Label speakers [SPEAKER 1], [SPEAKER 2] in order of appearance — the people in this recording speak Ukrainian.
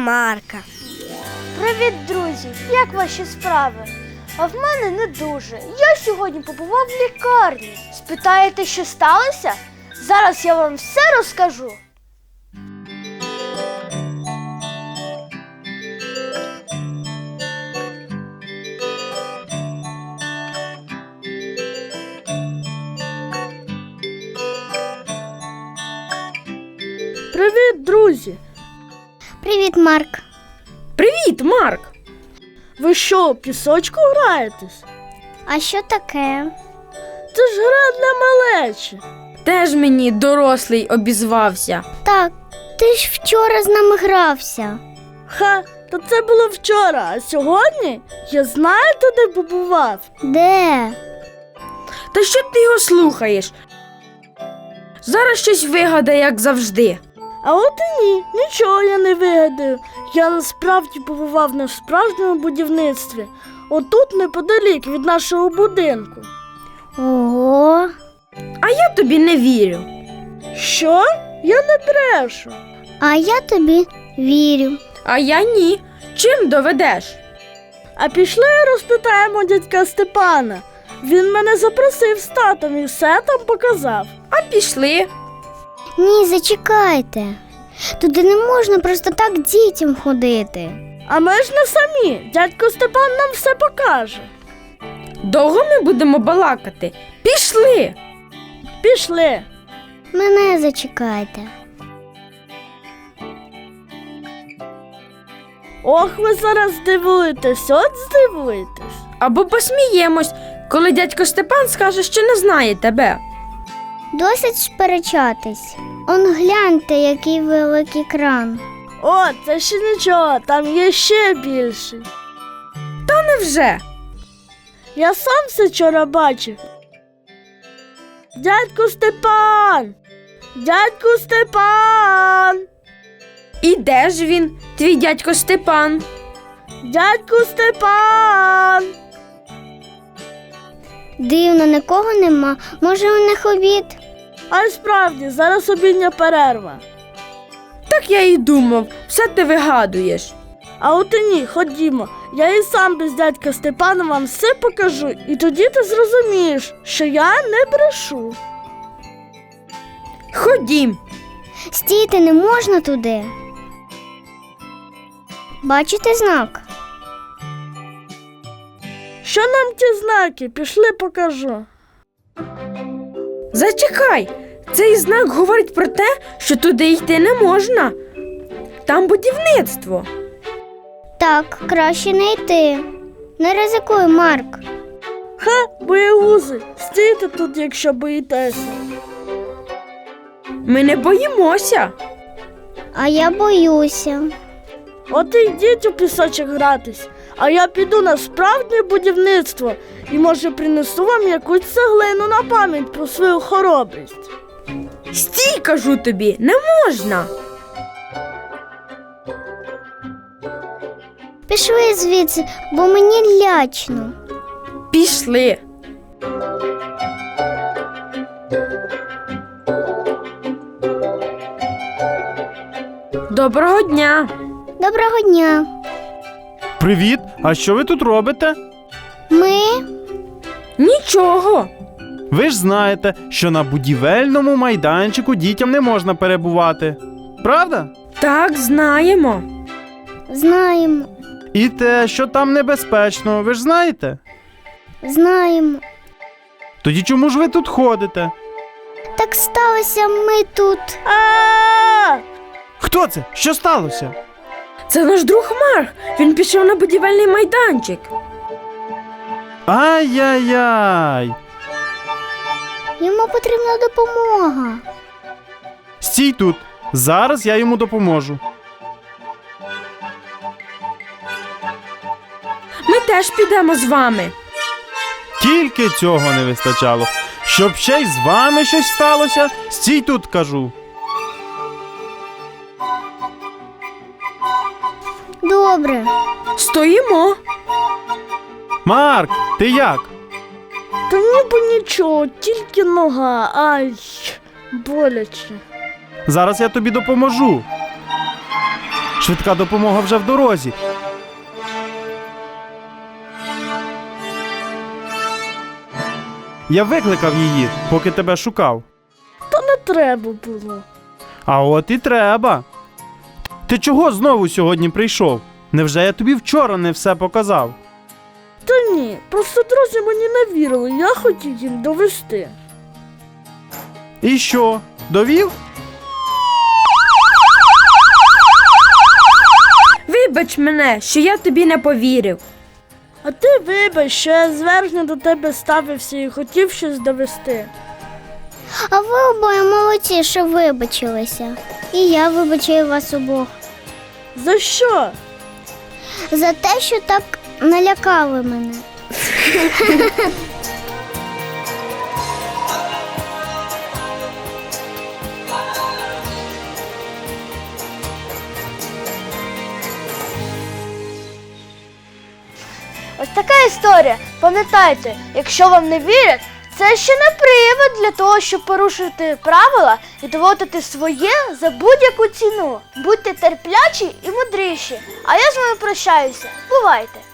[SPEAKER 1] Марка.
[SPEAKER 2] Привіт, друзі! Як ваші справи? А в мене не дуже. Я сьогодні побував в лікарні. Спитаєте, що сталося? Зараз я вам все розкажу. Привіт, друзі!
[SPEAKER 1] Привіт, Марк.
[SPEAKER 3] Привіт, Марк!
[SPEAKER 2] Ви що, в пісочку граєтесь?
[SPEAKER 1] А що таке?
[SPEAKER 2] Це ж гра для малечі.
[SPEAKER 3] Теж мені дорослий обізвався.
[SPEAKER 1] Так, ти ж вчора з нами грався.
[SPEAKER 2] Ха, то це було вчора, а сьогодні я знаєте, де побував?
[SPEAKER 1] Де?
[SPEAKER 3] Та що ти його слухаєш? Зараз щось вигадає, як завжди.
[SPEAKER 2] А от і ні, нічого я не вигадаю. Я насправді побував на справжньому будівництві. Отут неподалік від нашого будинку.
[SPEAKER 1] Ого.
[SPEAKER 3] А я тобі не вірю.
[SPEAKER 2] Що? Я не брешу.
[SPEAKER 1] А я тобі вірю.
[SPEAKER 3] А я ні. Чим доведеш?
[SPEAKER 2] А пішли розпитаємо дядька Степана. Він мене запросив з татом і все там показав.
[SPEAKER 3] А пішли.
[SPEAKER 1] Ні, зачекайте. Туди не можна просто так дітям ходити.
[SPEAKER 2] А ми ж не самі. Дядько Степан нам все покаже.
[SPEAKER 3] Довго ми будемо балакати? Пішли.
[SPEAKER 2] Пішли.
[SPEAKER 1] Мене зачекайте.
[SPEAKER 2] Ох, ви зараз здивуєтесь, от здивуєтесь.
[SPEAKER 3] Або посміємось, коли дядько Степан скаже, що не знає тебе.
[SPEAKER 1] Досить сперечатись. Он гляньте, який великий кран.
[SPEAKER 2] О, це ще нічого, там є ще більший.
[SPEAKER 3] Та невже?
[SPEAKER 2] Я сам все вчора бачив. Дядько Степан! Дядько Степан!
[SPEAKER 3] І де ж він, твій дядько Степан?
[SPEAKER 2] Дядько Степан!
[SPEAKER 1] Дивно, нікого нема. Може, у них обід?
[SPEAKER 2] А й справді, зараз обідня перерва.
[SPEAKER 3] Так я і думав, все ти вигадуєш.
[SPEAKER 2] А от і ні, ходімо. Я і сам без дядька Степана вам все покажу, і тоді ти зрозумієш, що я не брешу.
[SPEAKER 3] Ходім.
[SPEAKER 1] Стійте, не можна туди. Бачите знак?
[SPEAKER 2] Що нам ті знаки? Пішли покажу.
[SPEAKER 3] Зачекай, цей знак говорить про те, що туди йти не можна. Там будівництво.
[SPEAKER 1] Так, краще не йти. Не ризикуй, Марк.
[SPEAKER 2] Ха, боягузи, стійте тут, якщо боїтеся.
[SPEAKER 3] Ми не боїмося.
[SPEAKER 1] А я боюся.
[SPEAKER 2] От і йдіть у пісочок гратись, а я піду на справжнє будівництво і, може, принесу вам якусь цеглину на пам'ять про свою хоробрість.
[SPEAKER 3] Стій, кажу тобі, не можна.
[SPEAKER 1] Пішли звідси, бо мені лячно.
[SPEAKER 3] Пішли. Доброго дня.
[SPEAKER 1] Доброго дня.
[SPEAKER 4] Привіт! А що ви тут робите?
[SPEAKER 1] Ми?
[SPEAKER 3] Нічого.
[SPEAKER 4] Ви ж знаєте, що на будівельному майданчику дітям не можна перебувати. Правда?
[SPEAKER 3] Так, знаємо.
[SPEAKER 1] Знаємо.
[SPEAKER 4] І те, що там небезпечно, ви ж знаєте?
[SPEAKER 1] Знаємо.
[SPEAKER 4] Тоді чому ж ви тут ходите?
[SPEAKER 1] Так сталося, ми тут.
[SPEAKER 2] А!
[SPEAKER 4] Хто це? Що сталося?
[SPEAKER 3] Це наш друг Марк. Він пішов на будівельний майданчик.
[SPEAKER 4] Ай-яй-яй!
[SPEAKER 1] Йому потрібна допомога.
[SPEAKER 4] Стій тут. Зараз я йому допоможу.
[SPEAKER 3] Ми теж підемо з вами.
[SPEAKER 4] Тільки цього не вистачало. Щоб ще й з вами щось сталося, стій тут, кажу.
[SPEAKER 1] Добре.
[SPEAKER 3] Стоїмо.
[SPEAKER 4] Марк, ти як?
[SPEAKER 2] Та ніби нічого, тільки нога. Ай, боляче.
[SPEAKER 4] Зараз я тобі допоможу. Швидка допомога вже в дорозі. Я викликав її, поки тебе шукав.
[SPEAKER 5] Та не треба було.
[SPEAKER 4] А от і треба. Ти чого знову сьогодні прийшов? Невже я тобі вчора не все показав?
[SPEAKER 5] Та ні, просто друзі мені не вірили, я хотів їм довести.
[SPEAKER 4] І що, довів?
[SPEAKER 3] Вибач мене, що я тобі не повірив.
[SPEAKER 5] А ти вибач, що я зверхньо до тебе ставився і хотів щось довести.
[SPEAKER 1] А ви обоє молодці, що вибачилися. І я вибачаю вас обох.
[SPEAKER 5] За що?
[SPEAKER 1] За те, що так налякали мене.
[SPEAKER 2] Ось така історія. Пам'ятайте, якщо вам не вірять, це ще не привід для того, щоб порушити правила і доводити своє за будь-яку ціну. Будьте терплячі і мудріші. А я з вами прощаюся. Бувайте!